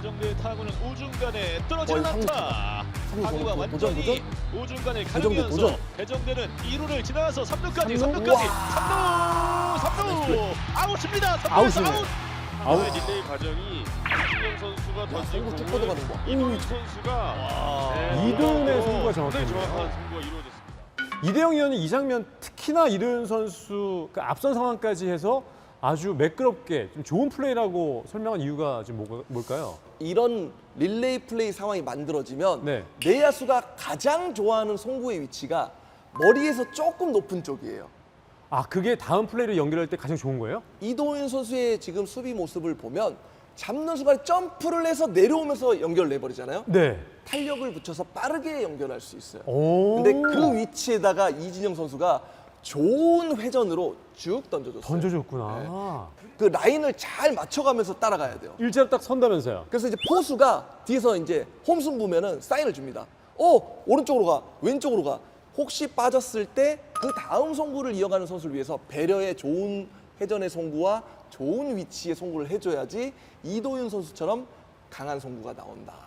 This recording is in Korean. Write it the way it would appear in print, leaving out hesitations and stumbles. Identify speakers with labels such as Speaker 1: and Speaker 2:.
Speaker 1: 배정대의 타구는 우중간에 떨어지는 안타. 타구가 완전히 우중간을
Speaker 2: 배정대
Speaker 1: 가르면서
Speaker 2: 도전.
Speaker 1: 배정대는 2루를 지나서 3루까지,
Speaker 2: 삼루?
Speaker 1: 3루까지,
Speaker 2: 우와.
Speaker 1: 3루 아웃입니다. 3루에서
Speaker 2: 아웃이네.
Speaker 1: 아웃.
Speaker 3: 릴레이 과정이 이진영 선수가 던진
Speaker 2: 송구 쭉
Speaker 3: 공을
Speaker 2: 뻗어가는 거.
Speaker 3: 이도윤 선수가
Speaker 4: 이도윤의 송구가
Speaker 3: 굉장히
Speaker 4: 정확했네요.
Speaker 3: 정확한 송구가 이루어졌습니다.
Speaker 4: 이대영 의원이 이 장면 특히나 이도윤 선수 그 앞선 상황까지 해서 아주 매끄럽게 좀 좋은 플레이라고 설명한 이유가 지금 뭘까요?
Speaker 2: 이런 릴레이 플레이 상황이 만들어지면
Speaker 4: 네.
Speaker 2: 내야수가 가장 좋아하는 송구의 위치가 머리에서 조금 높은 쪽이에요.
Speaker 4: 아, 그게 다음 플레이를 연결할 때 가장 좋은 거예요?
Speaker 2: 이도윤 선수의 지금 수비 모습을 보면 잡는 순간에 점프를 해서 내려오면서 연결내버리잖아요.
Speaker 4: 네.
Speaker 2: 탄력을 붙여서 빠르게 연결할 수 있어요.
Speaker 4: 오.
Speaker 2: 근데 그 위치에다가 이진영 선수가 좋은 회전으로 쭉 던져줬어요.
Speaker 4: 던져줬구나.
Speaker 2: 그 라인을 잘 맞춰가면서 따라가야 돼요.
Speaker 4: 일자로 딱 선다면서요.
Speaker 2: 그래서 이제 포수가 뒤에서 이제 홈승 보면은 사인을 줍니다. 오른쪽으로 가, 왼쪽으로 가. 혹시 빠졌을 때 그 다음 송구를 이어가는 선수를 위해서 배려의 좋은 회전의 송구와 좋은 위치의 송구를 해줘야지 이도윤 선수처럼 강한 송구가 나온다.